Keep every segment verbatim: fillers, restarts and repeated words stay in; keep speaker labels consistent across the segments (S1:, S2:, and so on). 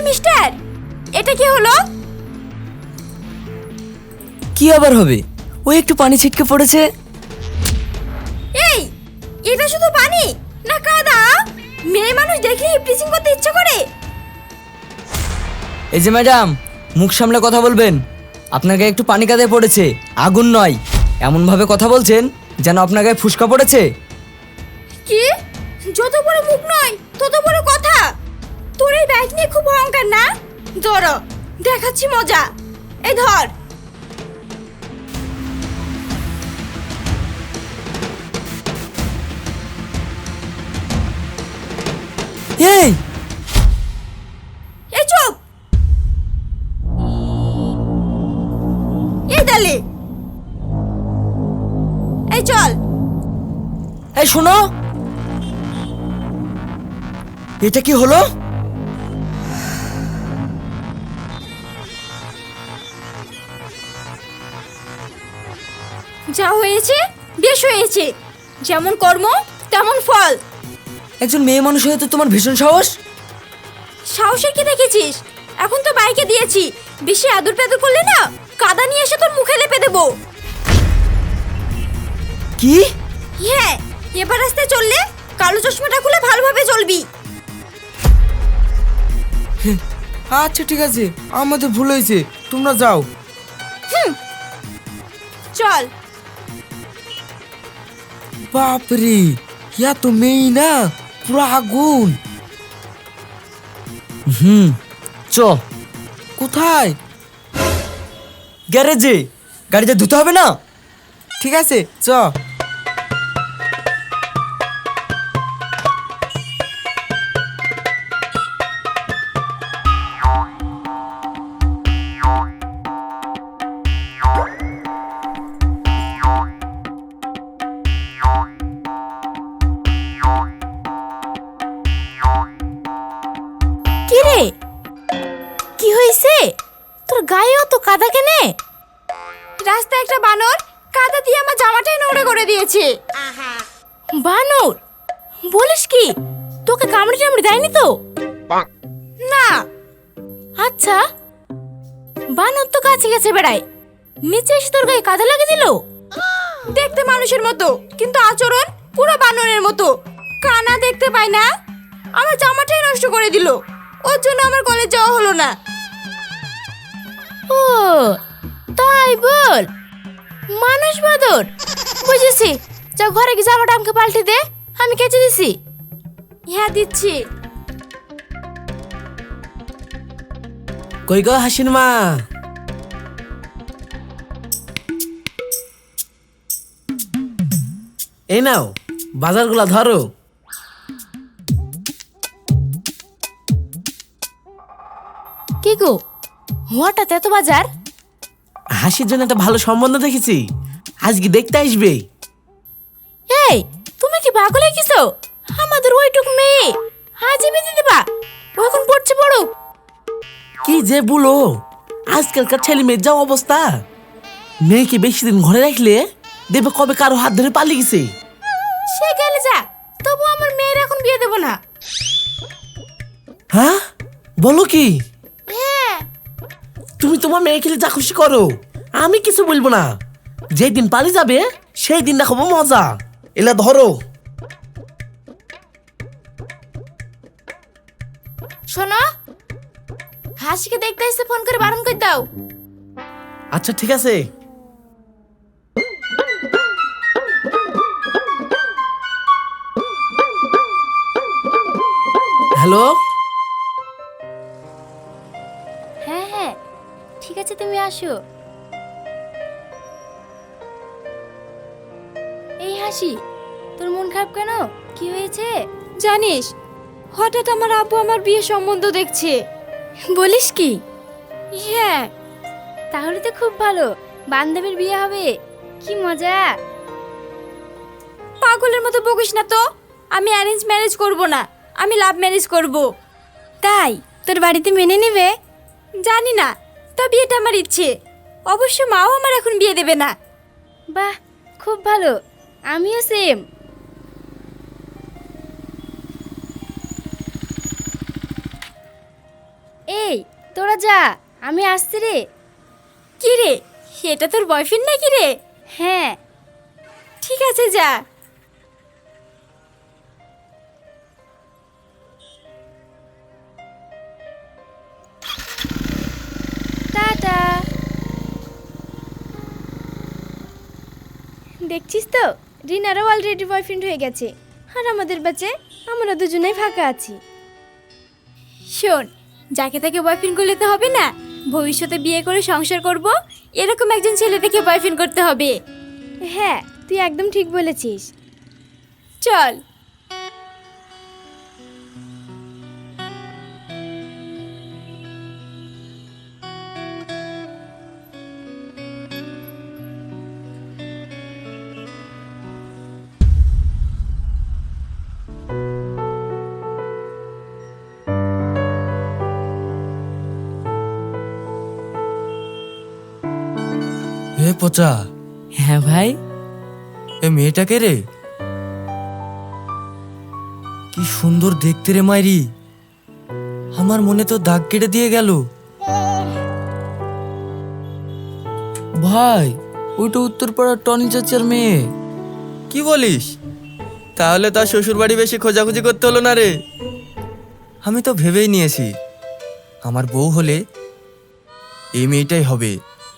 S1: Mister, এটা কি হলো?
S2: কি আবার হবে? ওই একটু পানি ছিটকে পড়েছে।
S1: এই, এটা শুধু পানি না কাদা? মেয়ে মানুষ দেখলেই প্লিচিং করতে ইচ্ছে করে।
S2: এই যে ম্যাডাম, মুখ সামলে কথা বলবেন। আপনার গায়ে একটু পানি কাদায় পড়েছে, আগুন নয়। এমন ভাবে কথা বলছেন যেন আপনার গায়ে ফুসকা পড়েছে।
S1: কি? যত বড় মুখ নয় তত বড় কথা। তোর এই ব্যাগ নিয়ে খুব অহংকার না? ধর, দেখাচ্ছি মজা। এই ধর।
S2: এই
S1: এই চুপ। এই দালে, এই চল।
S2: এই শোনো, এটা কি হলো?
S1: যা হয়েছে বেশ হয়েছে। যেমন কর্ম তেমন ফল।
S2: একজন মেয়ে মানুষ হয়ে তো তোমার ভীষণ সাহস।
S1: সাহসের কি দেখেছিস? এখন তো বাইকে দিয়েছি, বেশি আদর পেদর করলে না কাদা নিয়ে এসে তোর মুখে লেপে দেবো।
S2: কি?
S1: হ্যাঁ, এবার রাস্তায় চললে কালো চশমাটা খুলে ভালোভাবে চলবি।
S3: আচ্ছা ঠিক আছে, আমাদের ভুল হয়েছে, তোমরা যাও।
S1: চল।
S3: বাপরে, ইয়া তো মেয়ে না, পুরো আগুন।
S2: হুম, চ।
S3: কোথায়?
S2: গ্যারেজে। গাড়িতে ধুতে হবে না?
S3: ঠিক আছে, চ।
S1: কি রে, কি হয়েছে? তোর গায়ে অত কাদা কেনে? রাস্তায় একটা বানর কাদা দিয়ে আমার জামাটাই নোংরা করে দিয়েছে। বানর? বলিস কি? তোকে কামড়ে টামড়ে দেয়নি তো? না। আচ্ছা, বানর তো কাছে কাছে বেড়ায়, নিচে এসে তোর গায়ে কাদা লাগিয়ে দিল? দেখতে মানুষের মতো, কিন্তু আচরণ পুরো বানরের মতো। কানা দেখতে পায় না, আমার জামাটাই নষ্ট করে দিল। ওর জন্য আমার কলেজ যাওয়া হলো না। ও তাই বল? মানুষ বাদর? বুঝেছি, যা ঘরে গিয়ে জামাটা আমাকে পাল্টে দে, আমি কেচে দিছি। হ্যাঁ দিচ্ছি।
S3: কই গো হাসিন মা? এই নাও, বাজারগুলা ধরো।
S1: কি গো, হঠাৎ এত বাজার?
S3: হাসির জন্য একটা ভালো সম্বন্ধ দেখেছি, আজকে দেখতে আসবে।
S1: এই, তুমি কি পাগল হয়ে গেছো? আমাদের ওইটুক মেয়ে আজই বেঁধে দেবা? ও এখন পড়ছে পড়ো।
S3: কি যে বলো, আজকালকার ছেলে মেয়ের যা অবস্থা, মেয়েকে বেশি দিন ঘরে রাখলে দেখবে কবে কারো হাত ধরে পালিয়ে গেছে।
S1: সে গেলে যা, তবু আমার মেয়ের এখন বিয়ে দেবো না।
S3: হ্যাঁ বলো কি?
S1: হ্যাঁ।
S3: তুমি তোমার মেয়ে খেলে যা খুশি করো, আমি কিছু বলবো না। যেদিন পালিয়ে যাবে সেই দিন দেখাবো মজা। এলা ধরো।
S1: শোনো, হাসিকে দেখতে এসে ফোন করে বারণ করে দাও।
S3: আচ্ছা ঠিক আছে। হ্যালো।
S1: হ্যাঁ হ্যাঁ ঠিক আছে, তুমি আসো। এই হাসি, তোর মন খারাপ কেন? কি হয়েছে? জানিস, হঠাৎ আমার আব্বু আমার বিয়ে সম্বন্ধ দেখছে। বলিস কি? হ্যাঁ। তাহলে তো খুব ভালো, বান্ধবীর বিয়ে হবে, কি মজা। পাগলের মতো বকিস না তো। আমি অ্যারেঞ্জ ম্যারেজ করব না, আমি লাভ ম্যারেজ করব। তাই তোর বাড়িতে মেনে নেবে? জানি না, তবে এটা আমার ইচ্ছে। অবশ্য মাও আমার এখন বিয়ে দেবে না। বাহ, খুব ভালো, আমিও সেম। এই, তোরা যা, আমি আসছি রে। কি রে, এটা তোর বয়ফ্রেন্ড নাকি রে? হ্যাঁ। ঠিক আছে, যা। টাটা। দেখছিস তো, রিনারও অলরেডি বয়ফ্রেন্ড হয়ে গেছে, আর আমাদের ব্যাচে আমরা দুজনেই ফাঁকা আছি। শোন, যাকে তাকে বয়ফ্রেন্ড করলে তো হবে না, ভবিষ্যতে বিয়ে করে সংসার করব, এরকম একজন ছেলে থেকে বয়ফ্রেন্ড করতে হবে। হ্যাঁ, তুই একদম ঠিক বলেছিস। চল।
S4: হে পচা,
S2: হ্যাঁ ভাই।
S4: এ মেয়েটাকে রে, কি সুন্দর দেখতে রে মাইরি, আমার মনে তো দাগ কেটে দিয়ে গেল।
S2: ভাই, ওইটা উত্তরপাড়ার টনি চাচার মেয়ে।
S4: কি বলিস? তাহলে তার শ্বশুর বাড়ি বেশি খোঁজাখুঁজি করতে হলো না রে। আমি তো ভেবেই নিয়েছি আমার বউ হলে এই মেয়েটাই হবে।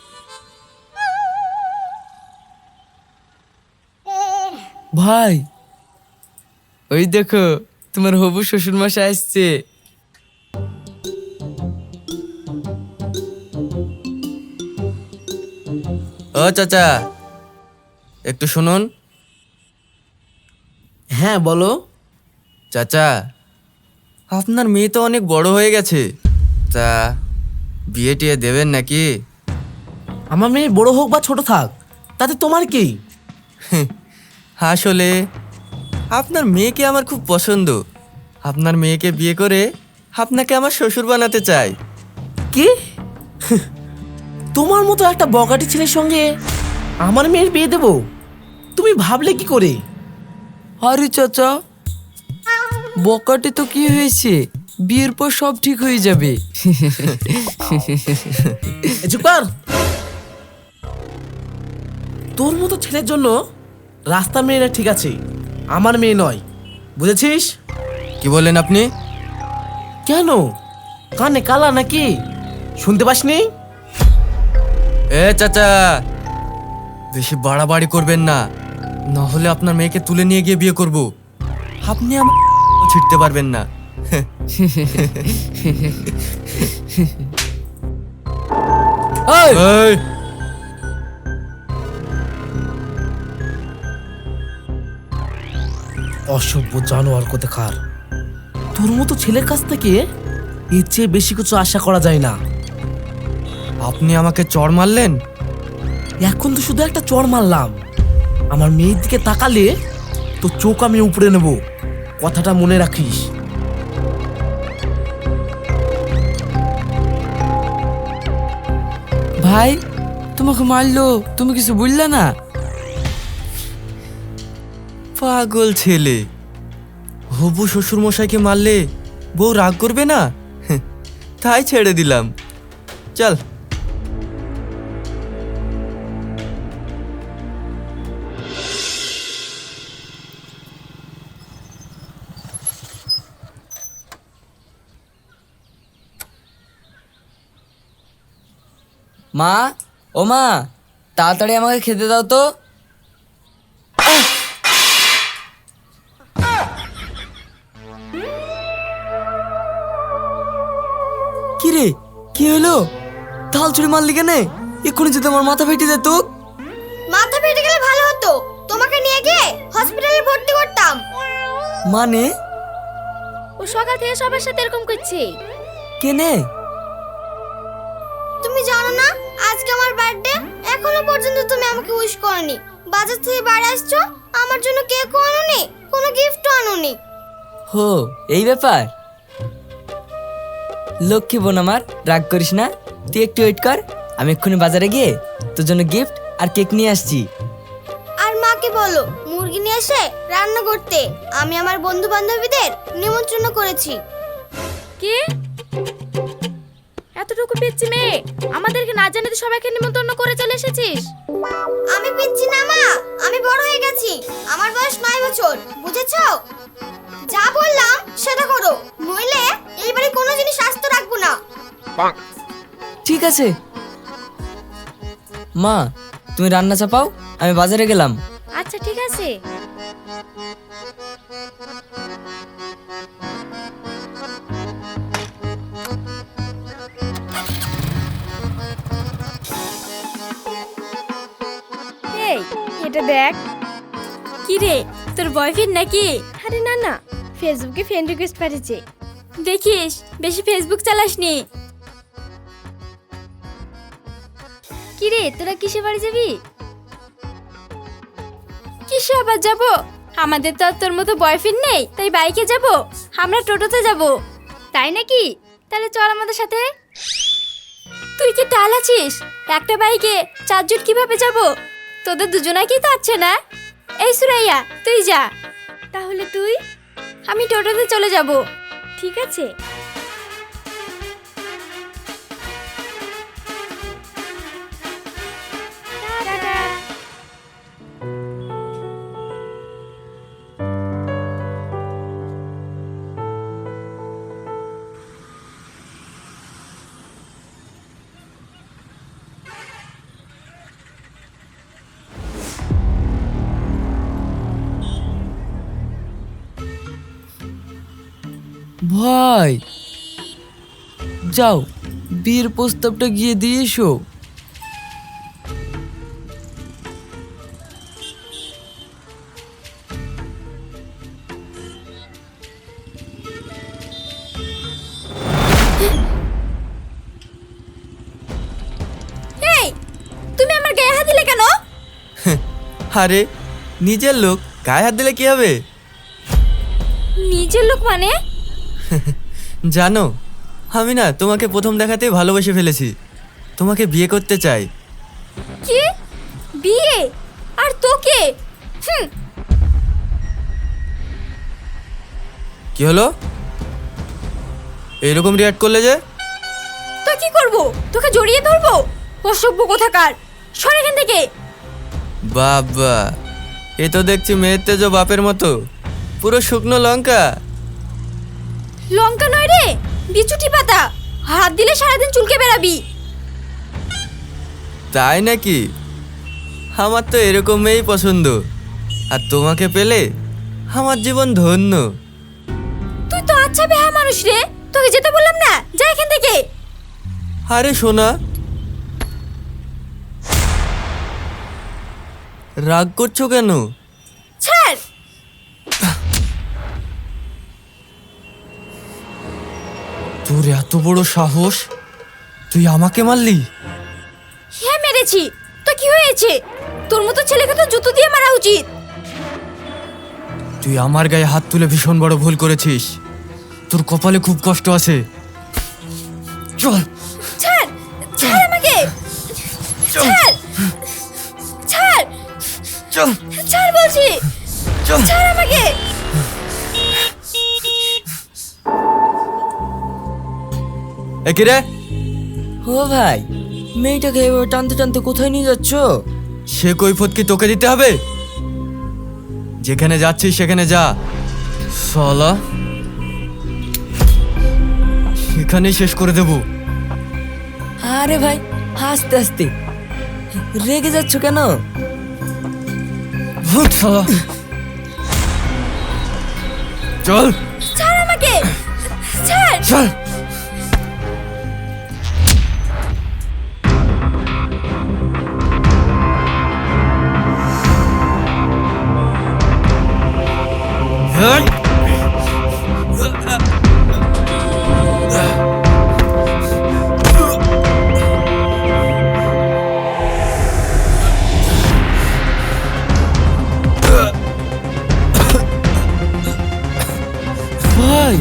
S2: ভাই, ওই দেখো তোমার হবু শ্বশুর মশাই আসছে।
S4: ও চাচা, একটু শুনুন।
S3: হ্যাঁ বলো।
S4: চাচা, আপনার মেয়ে তো অনেক বড় হয়ে গেছে, তা বিয়ে টিয়ে দেবেন নাকি?
S3: আমার মেয়ে বড় হোক বা ছোট থাক, তাতে তোমার কি?
S4: আসলে আপনার মেয়েকে আমার খুব পছন্দ। আপনার মেয়েকে বিয়ে করে আপনাকে আমার শ্বশুর বানাতে চাই।
S3: কি? তোমার মতো একটা বগাটি ছেলের সঙ্গে আমার মেয়ের বিয়ে দেব? তুমি ভাবলে কি করে?
S2: আরে চাচা, বকাটে তো কি হয়েছে, বিয়ের পর সব ঠিক হয়ে যাবে।
S3: এ চুপ কর। তোর মতো ছেলের জন্য রাস্তার মেয়েরা ঠিক আছে, আমার মেয়ে নয়, বুঝেছিস?
S4: কি বলেন আপনি?
S3: কেন, কানে কালা নাকি, শুনতে পাসনি?
S4: এ চাচা, বেশি বাড়াবাড়ি করবেন না, না হলে আপনার মেয়েকে তুলে নিয়ে গিয়ে বিয়ে করব। আপনি আমার ছিটতে পারবেন না।
S2: এই,
S4: এই,
S3: অসভ্য জানোয়ার কোথাকার। তোর মতো ছেলের কাছ থেকে এর চেয়ে বেশি কিছু আশা করা যায় না।
S4: আপনি আমাকে চড় মারলেন?
S3: এখন তো শুধু একটা চড় মারলাম, আমার মেয়ের দিকে তাকালে তো চোখ আমি উপড়ে নেব, কথাটা মনে রাখিস।
S2: ভাই, তোমাকে মারলো, তুমি কিছু বুঝলে না?
S4: পাগল ছেলে, হবু শ্বশুর মশাইকে মারলে বউ রাগ করবে না? তাই ছেড়ে দিলাম। চল।
S2: মা, ও মা, তাড়াতাড়ি আমাকে খেতে দাও তো। কি রে, কি হলো? থাল ছুড়ে মারলি কেন? এক্ষুনি যদি আমার মাথা ফেটে যেত।
S1: মাথা ফেটে গেলে ভালো হতো, তোমাকে নিয়ে গিয়ে হসপিটালে ভর্তি করতাম।
S2: মানে?
S1: ও সকাল থেকে সবার সাথে এরকম করছে।
S2: কেনে?
S1: তুমি জানো না আজকে আমার বার্থডে, এখনো পর্যন্ত তুমি আমাকে উইশ করনি। বাজার থেকে বাড়ি আসছো, আমার জন্য কেকও আনোনি, কোনো গিফটও আনোনি।
S2: হো, এই ব্যাপার? লক্ষ্মী বোন আমার, রাগ করিস না, তুই একটু ওয়েট কর, আমি এক্ষুনি বাজারে গিয়ে তোর জন্য গিফট আর কেক নিয়ে আসছি।
S1: আর মাকে বলো মুরগি নিয়ে এসে রান্না করতে, আমি আমার বন্ধু বান্ধবীদের নিমন্ত্রণ করেছি। কি? এতটুকু পিচ্ছি মেয়ে আমাদেরকে না জানিয়ে সবাইকে নিমন্ত্রণ করে চলে এসেছিস।
S5: আমি পিচ্ছি না মা, আমি বড় হয়ে গেছি। আমার বয়স নয় বছর, বুঝেছো? যা বললাম সেটা করো, নইলে এইবারে কোনো জিনিস আস্ত রাখবো না।
S2: ঠিক আছে মা, তুমি রান্না চাপাও, আমি বাজারে গেলাম।
S1: আচ্ছা ঠিক আছে। এই এটা দেখ। কি রে, তোর বয়ফ্রেন্ড নাকি? আরে না না, ফেসবুকে ফ্রেন্ড রিকোয়েস্ট পাঠিয়েছে। দেখিস বেশি ফেসবুক চালাসনি। কি রে, তোরা কিসে বাড়ি যাবি? কিসে আবার যাব? আমাদের তো আর তোর মতো বয়ফ্রেন্ড নেই, তাই বাইকে যাব। আমরা টোটোতে যাব। তাই নাকি? তাহলে চল আমাদের সাথে। তুই কি টাল আছিস? একটা বাইকে চারজন কিভাবে যাব? তোদের দুজনাকেই তো আছে না। এই সুরাইয়া, তুই যা। তাহলে তুই? আমি টোটোতে চলে যাব। ঠিক আছে। টাটা।
S2: ভাই যাও, বিয়ের প্রস্তাবটা গিয়ে দিয়ে এসো।
S1: এই, তুমি আমার গায়ে হাত দিলে কেন?
S4: আরে নিজের লোক গায়ে হাত দিলে কি হবে?
S1: নিজের লোক মানে?
S4: জানো, আমি না তোমাকে প্রথম দেখাতেই ভালোবেসে ফেলেছি। তোমাকে বিয়ে করতে চাই।
S1: কি? বিয়ে? আর তোকে? হুম।
S4: কি হলো, এরকম রিয়াক্ট করলে যে?
S1: তো কি করব? তোকে জড়িয়ে ধরবো? অসভ্য কোথাকার, সর এখান থেকে।
S4: বাবা, এ তো দেখছি মেয়ের তেজ বাপের মতো, পুরো শুকনো লঙ্কা।
S1: লঙ্কা নয় রে, বিচুটি পাতা। হাত দিলে সারাদিন চুলকে বেড়াবি।
S4: তাই নাকি? আমার তো এরকম মেয়েই পছন্দ, আর তোমাকে পেলে আমার জীবন ধন্য।
S1: তুই তো আচ্ছা বেহা মানুষ রে, তোকে যেতে বললাম না, যা এখান থেকে।
S4: আরে সোনা, রাগ করছো কেন?
S1: ছাড়।
S4: তোর এত বড় সাহস, তুই আমাকে মারলি?
S1: হ্যাঁ মেরেছি, তো কি হয়েছে? তোর মতো ছেলেকে তো জুতো দিয়ে মারা উচিত।
S4: তুই আমার গায়ে হাত তুলে ভীষণ বড় ভুল করেছিস। তোর কপালে খুব কষ্ট আছে। চল
S1: ছাড়, ছাড় আমাকে। ছাড়, ছাড়,
S4: চল
S1: ছাড় বলছি।
S4: চল।
S1: ছাড় আমাকে।
S4: এ কি রে?
S2: ও ভাই, মেয়েটাকে এভাবে টানতে টানতে কোথায় নিয়ে যাচ্ছ?
S4: সে কৈফত কি তোকে দিতে হবে? যেখানে যাচ্ছিস সেখানে যা। শালা, এখানেই শেষ করে দেব।
S2: আরে ভাই, আস্তে আস্তে, রেগে যাচ্ছ কেন?
S4: ভূত শালা, চল
S1: ছাড় আমাকে। ছাড়।
S4: চল। হেই!
S2: ভাই,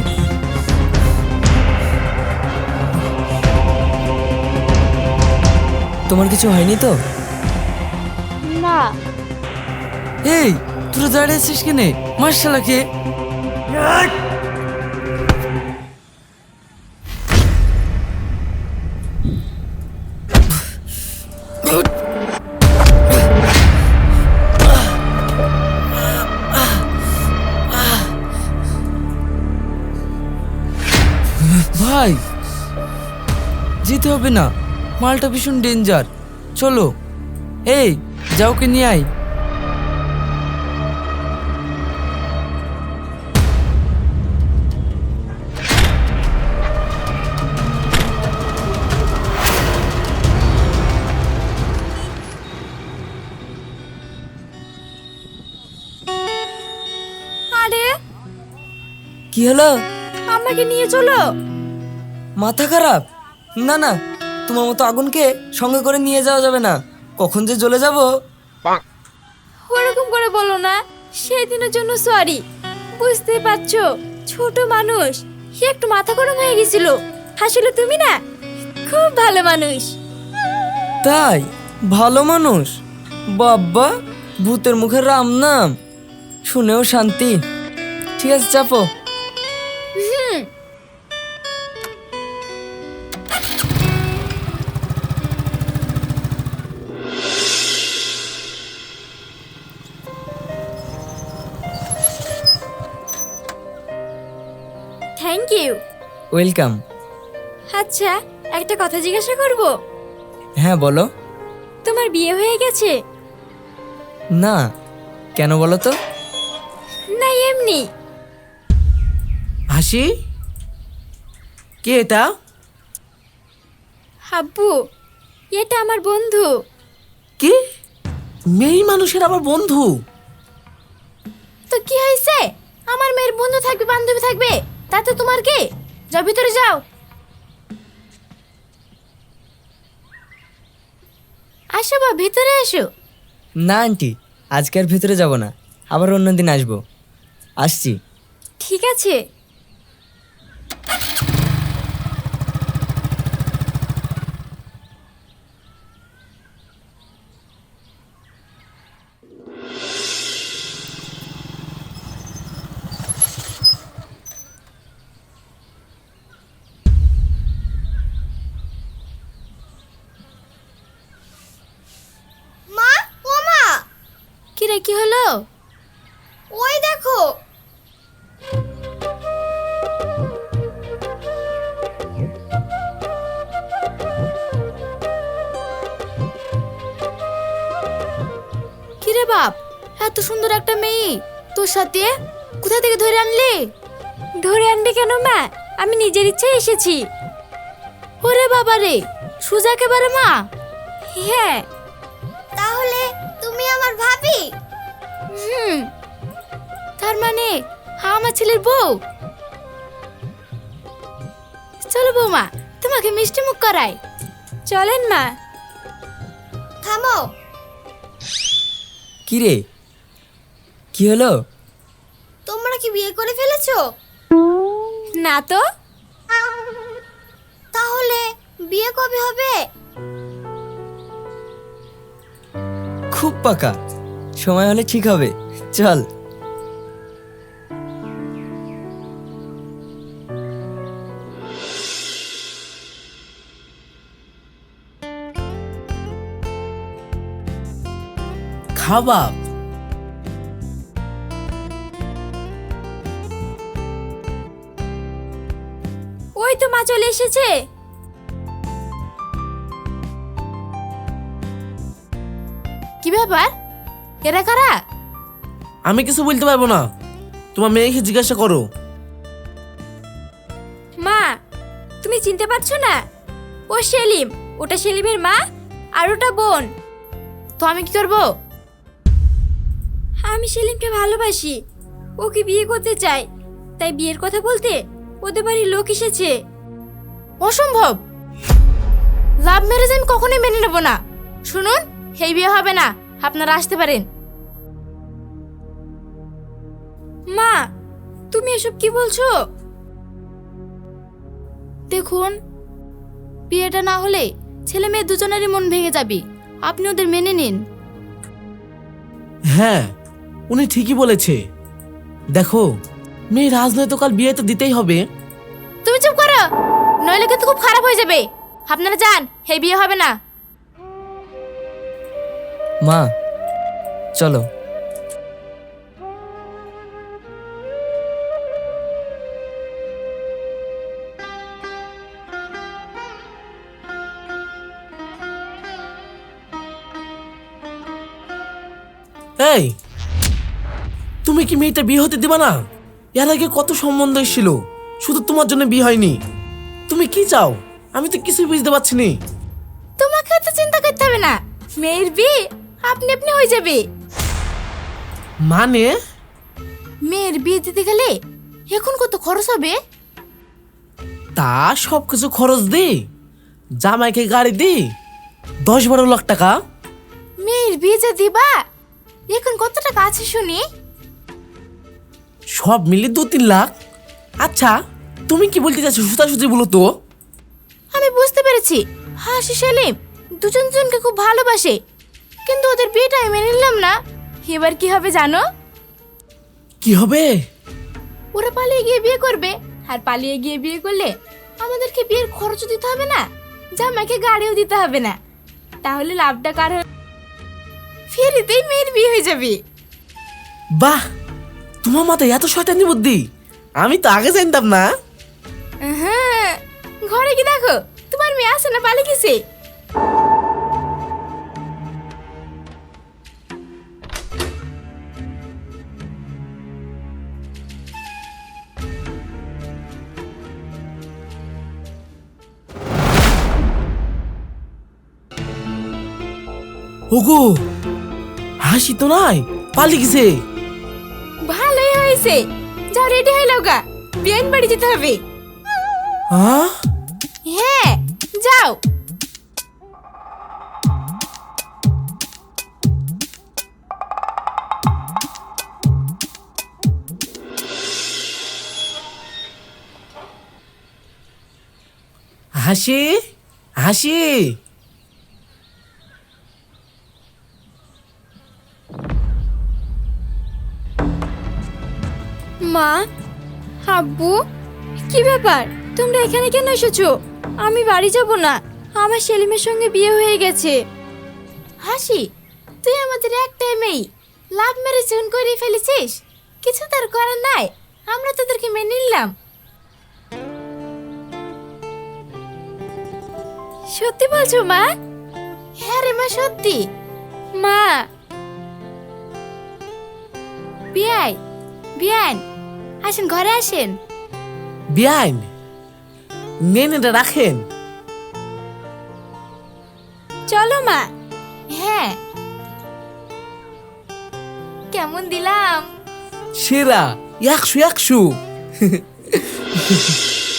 S2: তোমার কিছু হয়নি তো?
S1: না।
S2: এই, তোরা দাঁড়িয়ে আছিস কেনে? মার্শালাকে ভাই যেতে হবে না, মালটা ভীষণ ডেঞ্জার। চলো, এই যাও কে নিয়ে আয়।
S1: আরে
S2: কি হলো?
S1: আমাকে নিয়ে চলো।
S2: মাথা খারাপ? না না, তোমার মতো আগুনকে সঙ্গে করে নিয়ে যাওয়া যাবে না, কখন যে জ্বলে যাব।
S1: ওরকম করে বলো না, সেই দিনের জন্য সরি। বুঝতেই পারছো, ছোট মানুষ, সে একটু মাথা গরম হয়ে গেছিল। আসলে তুমি না খুব ভালো মানুষ।
S2: তাই? ভালো মানুষ? বাব্বা, ভূতের মুখের রাম নাম শুনেও শান্তি। ঠিক আছে, চাপো।
S1: হুম। Thank you.
S2: ওয়েলকাম।
S1: আচ্ছা, একটা কথা জিজ্ঞাসা করব?
S2: হ্যাঁ বলো।
S1: তোমার বিয়ে হয়ে গেছে?
S2: না, কেন বলো তো?
S1: না এমনি।
S3: হাসি, কে এটা?
S1: আব্বু, এটা আমার বন্ধু।
S3: কি, মেয়ে মানুষের আবার বন্ধু?
S1: তো কি হয়েছে? আমার মেয়ের বন্ধু থাকবে, বান্ধবী থাকবে, তাতে তোমার কি? যাও ভিতরে যাও। আসো বা, ভিতরে এসো।
S2: না আন্টি, আজকে আর ভেতরে যাব না, আবার অন্যদিন আসবো। আসছি।
S1: ঠিক আছে।
S5: মা, ও মা,
S1: কি রে, কি হলো?
S5: ওই দেখো।
S1: কি রে বাপ, এত সুন্দর একটা মেয়ে তোর সাথে কোথা থেকে ধরে আনলি? ধরে আনবে কেন মা, আমি নিজের ইচ্ছায় এসেছি। ওরে বাবা রে, সুজা একেবারে মা। হ্যাঁ।
S5: তাহলে তুমি আমার ভাবি?
S1: হুম, তার মানে আমার ছেলের বউ। চলো বৌমা, তোমাকে মিষ্টি মুখ করাই। চলেন মা।
S5: থামো।
S2: কি রে, কি হলো?
S5: তোমরা কি বিয়ে করে ফেলেছো?
S1: না তো।
S5: তাহলে বিয়ে কবে হবে?
S2: খুব পাকা, সময় হলে ঠিক হবে। চল।
S3: খাবা?
S1: ওই তো মা চলে এসেছে। কি ব্যাপার, এরা কারা?
S3: আমি কিছু বলতে পারবো না, তোমার মেয়েকে জিজ্ঞাসা করো।
S1: মা, তুমি চিনতে পারছো না? ও সেলিম, ওটা সেলিমের মা, আর ওটা বোন। তো আমি কি করব? আমি সেলিমকে ভালোবাসি, ওকে বিয়ে করতে চাই, তাই বিয়ের কথা বলতে ওদের বাড়ির লোক এসেছে। অসম্ভব, লাভ ম্যারেজ আমি কখনোই মেনে নেব না। শুনুন, এই বিয়ে হবে না, আপনারা আসতে পারেন। মা, তুমি এসব কি বলছো? দেখুন, বিয়েটা না হলে ছেলে মেয়ে দুজনেরই মন ভেঙে যাবে, আপনি ওদের মেনে নিন।
S3: হ্যাঁ, উনি ঠিকই বলেছে। দেখো, মেয়ে রাজনৈতিক বিয়ে তো দিতেই হবে।
S1: তুমি চুপ করো, নইলে কিন্তু খুব খারাপ হয়ে যাবে। আপনারা যান, এই বিয়ে হবে না।
S2: মা চলো।
S3: এই তুমি কি মেয়েটা বিয়ে হতে দিবা না? এর আগে কত সম্বন্ধ এসেছিল, শুধু তোমার জন্য বিয়ে হয়নি। তুমি কি চাও আমি তো কিছুই বুঝতে পারছি না।
S1: তোমাকে তো চিন্তা করতে হবে না, মেয়ের বিয়ে আপনি আপনি হয়ে যাবে।
S3: মানে
S1: মেয়ের বিয়ে দিতে গেলে এখন কত খরচ হবে?
S3: তা সব কিছু খরচ দি, জামাইকে গাড়ি দি, দশ বারো লাখ টাকা।
S1: মেয়ের বিয়ে যে দিবা এখন কত টাকা আছে শুনি?
S3: সব মিলে দু তিন লাখ। আচ্ছা তুমি কি বলতে চাচ্ছো সুতাসুতি বলো তো।
S1: আমি বুঝতে পেরেছি, হাসি সেলিম দুজন জনকে খুব ভালোবাসে, কিন্তু ওদের বিয়েটা আমি মেনে নিলাম না। এবার কি হবে জানো?
S3: কি হবে?
S1: ওরা পালিয়ে গিয়ে বিয়ে করবে, আর পালিয়ে গিয়ে বিয়ে করলে আমাদেরকে বিয়ের খরচ দিতে হবে না, জামাইকে গাড়িও দিতে হবে না। তাহলে লাভটা কার হবে? ফেরিতেই মেয়ের বিয়ে হয়ে যাবে।
S3: বাহ, তোমার মাথায় এত শয়তানি বুদ্ধি, আমি তো আগে জানতাম না।
S1: হ্যাঁ, ঘরে কি দেখো তোমার মেয়ে আসে না পালিয়ে গেছে।
S3: ওগো, হাসি তো নাই, পালিয়ে গেছে।
S1: ভালোই হয়েছে, যাও রেডি হয়ে লাও গা, বিয়েন বাড়ি যেতে হবে।
S3: হ্যাঁ
S1: হ্যাঁ যাও।
S3: হাসি, হাসি,
S1: মা, আব্বু, কি ব্যাপার তোমরা এখানে কেন এসেছো? আমি বাড়ি যাব না, আমার সেলিমের সঙ্গে বিয়ে হয়ে গেছে। হাসি, তুই আমাদের একটাই মেয়ে, লাভ ম্যারেজ যখন করে ফেলেছিস, কিছু তার করার নাই, আমরা তোদেরকে মেনে নিলাম। সত্যি বলছো মা? হ্যাঁ রে মা, সত্যি। মা, বিয়াই বিয়ান, আসেন ঘরে আসেন।
S3: বিয়াইন নেনেটা রাখেন।
S1: চলো মা। হ্যাঁ, কেমন দিলাম?
S3: সেরা, একশো একশো।